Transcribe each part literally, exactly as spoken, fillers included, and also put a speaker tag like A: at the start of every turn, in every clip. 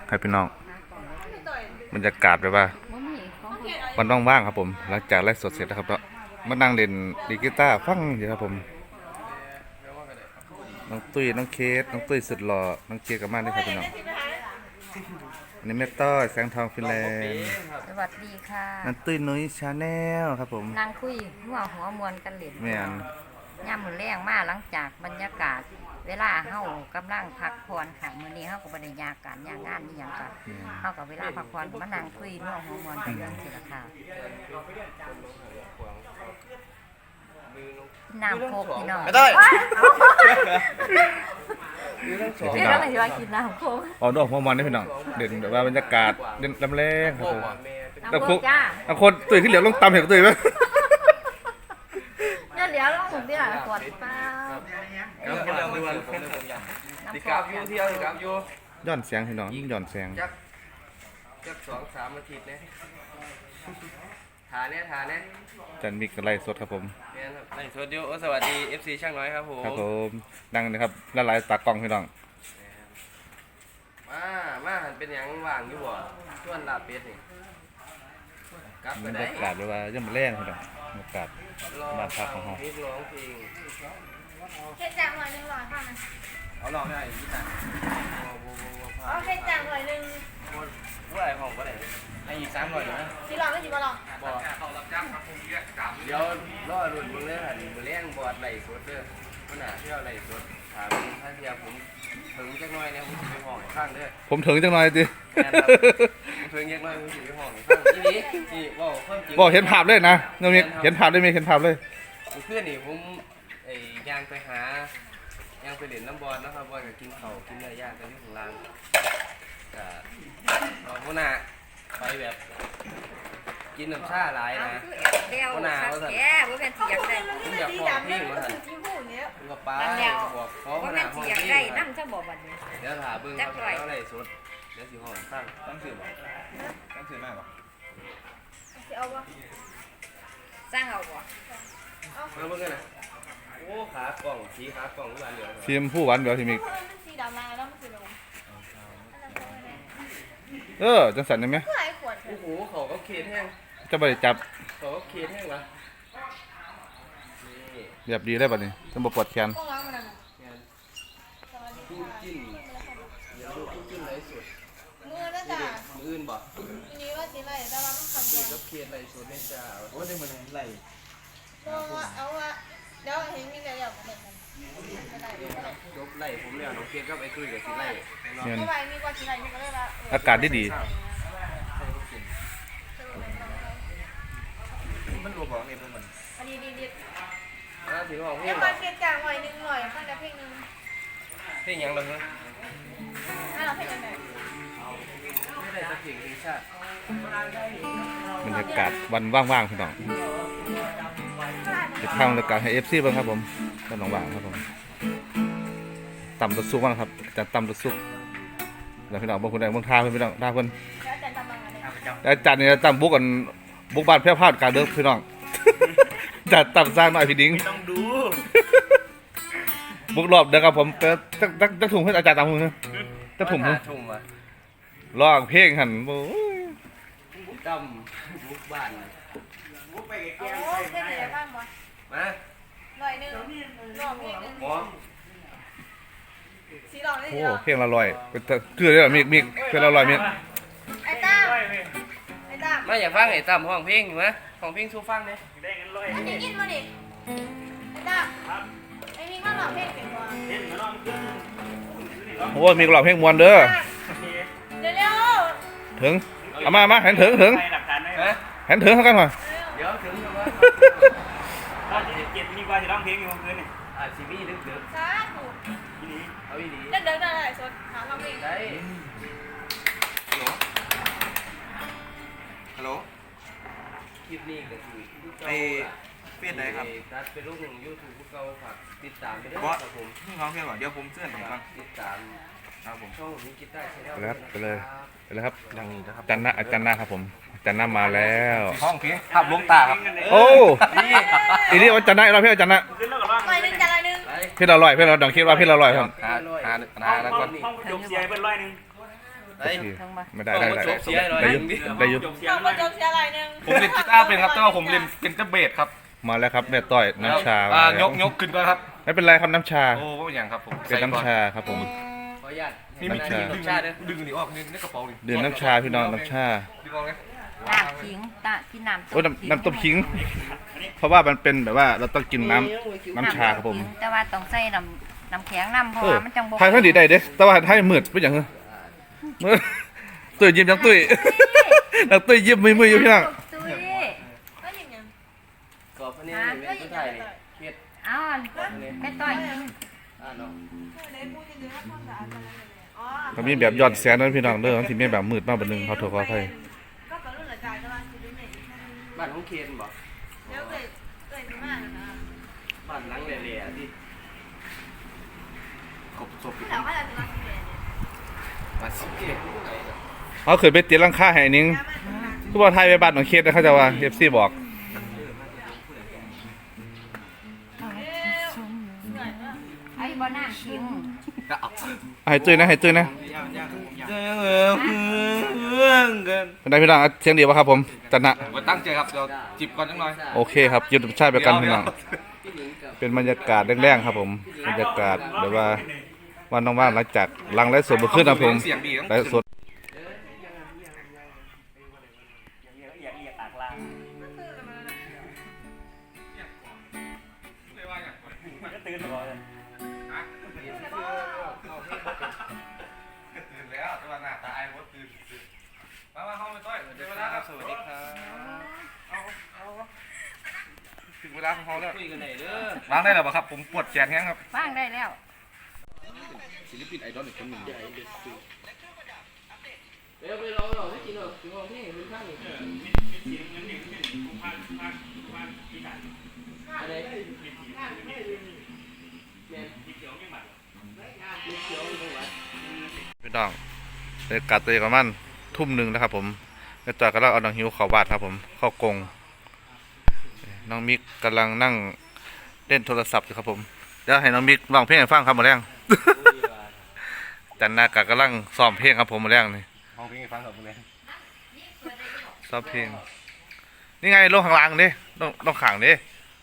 A: ครับพี่น้องบรรยากาศแบบว่ามันว่างๆครับผมหลังจากไลฟ์สดเสร็จแล้วครับก็มานั่งเล่นดีกีตาร์ฟังอยู่ครับผมน้องตุ้ยน้องเคสน้องตุ้ยสุดหล่อน้องเคสกับมาด้วยครับพี่น้องอันนี้แม่ต้อยแสงทองฟินแลนด์
B: สวัสดีค่ะ
A: น้องตุ้ยนุ้ยชาแนลครับผม
B: นางคุยหัวหัวมวลกันเล่น
A: แม่น
B: ย่ำมือแรงมากหลังจากบรรยากาศเวลาเฮากำลังพักผ่อนค่ะมื้อนี้เฮาก็บ่ได้ยากการยากงานนี่หยังก็เฮาก็เวลาพักผ่อนมานั่งคุยหัวหัวมวลกันเรื่องสิล่ะค่ะน้ำโคกพี่น้อง
C: ไม่ได้
B: พี่น้องสิว่ากินน้ำโคก
A: อ๋อดอกหัวมันนี่พี่น้องเด่นแบบว่าบรรยากาศเด่นลำแรงครับผมน้ำโคก
B: จ้า
A: น้ำโคกตุ้ยขึ้นเหลียวลงตำเห็นตุ้ยมั้ย
B: เดี๋ยวลงผมดิล่ะกดเปล่า
C: ครับผมเดือนติกราบอยู่เที่ยวติกราบอยู่
A: ย้อนเสียงพี่น้องย้อนเสียง
C: จักจักสองสามอาทิตย์เนี่ยทาเนี่ยทาเนี่ย
A: จันมิกไลฟ์สดครับผม
C: ไลฟ์สดอยู่สวัสดี เอฟ ซี ช่างน้อยครับผม
A: ครับผมดังนะครับละลายตากล้องพี่น้อง
C: มามาหันเป็นอย่างว่างอยู่บ่ชวนลาเป็ดนี่กลับไป
A: บรร
C: ได้
A: ยากาศแบบว่าย่ำแรงพี่น้องบรรยากาศบ้านพักของเรา
C: ร้องเพลง
D: เฮ็ดจางหน่อยหนึ่งร้อยค่ะนะ
C: เอาลองได้ยี่สิบ
D: เอาเฮ็ดจางหน่อยหนึ่ง
C: ว่าอะไรของก็ได้ให้อีกสามหน่อยนะ
D: สิลองก็สิบ่ลอง
C: บอกเดี๋ยวรอรุ่นมึงเลยหันมือเลี้ยงบอดไหลสดเด้อมันหนาเที่ยวไหลสดถามถ้าเทียผมถึงจักหน่อยเนี่ยผมจะไปห้องข้างเด้อ
A: ผมถึงจังหน่อยสิ
C: ผมถึงจักหน่อยผมจะไปห้องข้างที่นี้ที่ว่าเพิ่มจริง
A: บอกเห็นภาพเลยนะน้องมิกเห็นภาพได้ไหมเห็นภาพเลย
C: เพื่อนนี่ผมไอ้ย่างไปหาย่างไปเล่นน้ำบอลนะครับบอลกับกินเข่ากินเนื้อย่างกันที่ของร้านก็เราพวกน่ะไปแบบกินน้ำชาหลายนะ
B: พวกน่ะว่าสั่นแกว่าเป็นเสียงได้
C: ผมอยากฟ้องพี่ว่าสั่นผมก็ป้าบอกเขาพวกน่ะห้องพี่ได้
B: นั่งจะบอกวันนี้
C: เดี๋ยวถามเบิ้งเขาอะไรสดเดี๋ยวสิห้องตั้งตั้งสื่อบ่ตั้งสื่อมากบ่
D: สิเอาบ่
B: สร้างเอาบ่
C: มาเบิ้งกันนะโอ้ขากล่องสีขากล่องทุกวันเดียว
A: ทีมผู้หวานเดี๋ยวทีมิก
D: สีดำมาแล้วมันสิลง
A: เออจังสันได้ไหม
C: โอ้โหเขาก็เค็ดแห้ง
A: จะไปจับ
C: เขาก็เค็ดแห้งวะ
A: เรียบดีได้ป่ะนี่ต้องบปวดแขน
C: ตู้จิ้นเดี๋ยวดูตู้จิ้นไรสุด
D: มือนั่นจ้ะ
C: มืออื่นบ่
D: ทีนี้ว่าสิไรแต่ว่ามันคำ
C: เดียวก็เค็ดไรสุดในจ่าโอ้ได้มันไร
D: เอาว่าเอาว่าเดี๋ยวเห็นมีแต่เดี๋ยวเหมือนกัน
C: จบไล่ผมแล้วน้องเค็ดก็ไปคุยกับสิไล่
D: เมื่อวานมีกว่าสิไรมีก็เลยว่า
A: อากาศดีดี
C: มันรัวบอกเนี่ยพวกมัน
D: อันนี้ดีดี
C: อ่าถือว่าเพลง
D: เดี๋ยวมาเก็บจางหน่อยหนึ่งหน่อยฟังแต่เพลงหนึ่ง
C: เพลงยังเลยฮะ
D: อ่าเราเพลงยังไง
C: ไม่ได้จะเพลงเพลงชาติ
A: บรรยากาศวันว่างๆพี่น้องจะทำบรรยากาศให้เอฟซีบ้างครับผมก็ลองว่างครับผมต่ำตัวซุกบ้างครับจะต่ำตัวซุกแล้วพี่น้องบางคนได้บางท่าเพื่อนพี่น้องท่าเพื่อนอาจารย์เนี่ยต่ำบุกกันบุกบ้านแพร่พาดการเดินพี่น้องจัดต่ำสร้างหน่อยพี่ดิ้ง
C: ต้องดู
A: บุกรอบเดินครับผมจะจะจะถุงให้อาจารย์ตามมือจะถุงมือร้องเพลงหันโอ้
C: ยต่ำบุกบ้าน
D: บุกไปแก้วโอ้เพลงอะไรบ้างบอส
C: มา
D: หน่อยหนึ่งร้องเพลงหนึ่งสีร้องได้
A: โอ้เพลงละลอยเป็นเกลือเลยมิกมิกเพลงละลอยมิก
D: ไอ้ตั้มไอ้ตั้ม
C: มาอยากฟังไอ้ตั้มห้องเพลงอยู่ไหมห้องเพลงสู้ฟังเนี่ย
D: มันจะกินมาดิไอ้ตั้มไอ้มิกมาร้องเพลงเก่งกว่า
A: โอ้มิกร้องเพลงมวนเด้อ
D: เดี๋ยวเร็ว
A: ถึงเอามามาเห็นถึงถึงเห็นถึงเท่ากันหน่อย
C: เดี๋ยวถึงแล้ว
E: ว่าที่เจ็ดมีกว่าที่ร้องเพลงอยู่เมื่อคืนนี่
C: อ่าซีมี่ดึกดึก
D: ช้าถูก
C: ทีนี้เอาอีนี้
D: เดินเดินได้สดหาความเอง
C: ได้ฮัลโหลฮัลโหลคลิปนี้ก็คือ
E: ไปเฟซไหนครับ
C: ตัดเป็นรูปหนึ่งยูทูบเก่าฝากติดตามไปด้วยครับผม
E: น้องเพื่อนบอกเดี๋ยวผมเสื้อหน่อยครับ
C: ติดตามครับผมช่องนี้กีตาร์ชแนล
A: ไปเลยไปเลยครับดังนี้นะครับจันนะอาจารย์นะครับผมอาจารย์น้ามาแล้ว
C: ห้องพี่ภาพลวงตาครับ
A: โอ้อีนี่ว่าจันนะเราเพื่อนจันนะ
D: ลอยหนึ่งจันลอยหนึ่ง
A: เพื่อนเราลอยเพื่อนเราดังคิดว่าเพื่อนเราลอยครับ
E: หาหาหาแล้วก็
C: ห้องจบเสียเป็นร้อยหนึ่งไอ้
A: พี่
B: เทิงบ่
A: ไม่ได้ได้ได้
C: โอ้โหเสียหน่อย
A: ได้อยุได้อยุ
E: จบเสีย
D: เรา
E: ง
D: ก็จบเสียอะไรหนึ่ง
F: ผมเล่นกีตาร์เป็นครับแต่ว่าผมเล่นเป็นเจ้าเบสครับ
A: มาแล้วครับแม่ต้อยน้ำชา
F: อ่า
A: มาแล้ว
F: ยกยกขึ้นก่อนครับ
A: ไม่เป็นไรครับน้ำชา
F: โอ้ไม่เป็นอย่างครับผม
A: เป็นน้ำชาครับผม
C: ขออนุญาต
F: นี่มี
A: น้ำชา
F: ดึง
C: ชาเด้อ
F: ดึงอันนี้ออกนี่ในกระเป๋านี่
A: ดื่มน้ำชาพี่น้องน้ำชา
F: ดึงออกเลย
B: น้ำขิงตะที่น้ำ
A: โอ้ยน้ำน้ำต้มขิง เพราะว่ามันเป็นแบบว่าเราต้องกินน้ำน้ำชาครับผม
B: ขิงแต่ว่าต้องใส่น้ำน้ำแข็งน้ำเพราะ
A: เออ
B: ว่ามันจังบ่
A: ทายท่านดีได้เด้แต่ว่าทายมืดเป็นอย่างเงี้ยมืดตุ้ยยิ้มจังตุ้ย นักตุ้ยยิ้มมือมืออยู่พี่น้อง
B: ตุ้ย
D: ก็ยิงยัง
C: กรอบพะเนียนี่เป็นผู้ไทยนี่เฮ็ด
B: เอ้าวแม่ต้อยกิน
C: อ่าเนาะ
D: เด็กพูดยังไงถ้าความสะอาดอะไรเนี่ยอ๋อ
A: ก็มีแบบย้อนแสงนั้นพี่น้องเด้อที่มีแบบมืดมากแบบนึงเขาโทรขออภัย
D: ก็กระรุ่นละกายก็ว่าคือเนี่ย
C: บ้านของเคนบ่
D: เดี๋ยวเกิดเกิดมากนะ
C: บ้านหลังแหล่ๆที่
F: กบศพ
D: แต่ว่าเราจะมาเปลี่ยนเนี่ย
C: บ้านสิเกตผู้ใดเนาะ
A: เขาเคยไปเตียรังค่าให้นิ้งทุกวันไทยไปบ้านของเคสนะเขาจะว่าเอฟซีบอก
B: ไอ้บ่น้ำขิง
A: ให้ตุ้ยนะให้ตุ้ยนะ
C: เออเพื่อนกัน
A: เป็นไงพี่น้องเสียงดีป่ะครับผมจันนะ
F: ผมตั้งใจครับเดี๋ยวจิบก่อนจังหน่อย
A: โอเคครับยืดชาติไปกันพี่น้อง
C: พี่หญิงกับ
A: เป็นบรรยากาศแรงๆครับผมบรรยากาศแบบว่าวันว่างๆหลังจากหลังไลฟ์สดมาขึ้นนะผม
F: เสียงดี
A: ไลฟ์สด
E: อยากเรียกตากลางก็ตื่นก่อนเลย
F: ตื่นแล้วแต่ว่าหน้าตาไอ้มดตื่นมามาเข้าไปต้อยเดี๋ยวเวลาครับ
C: สวัสดีครับ
F: ถึงเวลาของเขาแล้ว
C: คุยกันไหนเด้อ
F: ล้างได้แล้วป่ะครับผมปวดแขนแห้งครับ
B: ว่างได้แล้ว
F: ศิลปินไอดอลอีกคนหนึ่ง
C: เดี๋ยวไปรอรอให้กินหรอกกินของที่เป็นข้างนี่อะไรแม่เขียวอยู่ตรงไหน
A: พี่น้องบรรยากาศตัวประมาณทุ่มหนึ่งนะครับผมแม่จอยกำลังเอาน้องหิวเข้าวาดครับผมเข้ากรงน้องมิกกำลังนั่งเล่นโทรศัพท์อยู่ครับผมเดี๋ยวให้น้องมิกร้องเพลงให้ฟังครับหมาแรง จันนากะกำลังซ้อมเพลงครับผมหมาแรงนี่
F: ห้องเพลงให้ฟังครับคุณเนี่ย
A: ซ้อมเพลงนี่ไงลงข้างล่างดิลงลงข้างดิ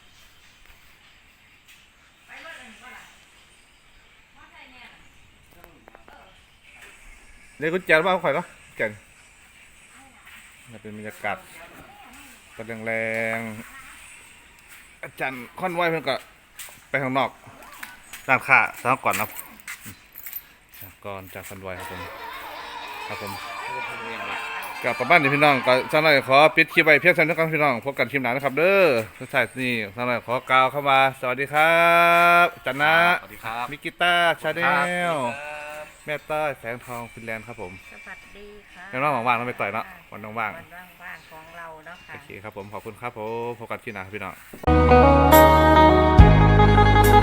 A: เดี๋ยวกุญแจบ้านข่อยเนาะแก่นนี่เป็นบรรยากาศกำลังแรงๆอาจารย์ค่อนไหวเพิ่นก็ไปข้างนอกด้านข้าสาวก่อนนะก่อนจากคันไหวครับผมครับผมกับประมาณนี้พี่น้องก็สักหน่อยขอปิดคลิปไว้เพียงเท่านี้ครับพี่น้องพบกันคลิปหน้านะครับเด้อสุดท้ายนี่สักหน่อยขอกล่าวเข้ามาสวัสดีครับจันนะ
F: สวัสดีครับ
A: มิกิต้าชาแนลแม่ต้อยแสงทองฟินแลนด์ครับผม
B: สวัสดีค่ะ
A: ยังน้องว่างๆต้องไปต่อยเนาะวันว่าง
B: วันว่างๆของเราเนาะ
A: ๆ
B: ค่ะ
A: โอเคครับผมขอบคุณครับผมพบกันที่หน้าครับพี่น้อง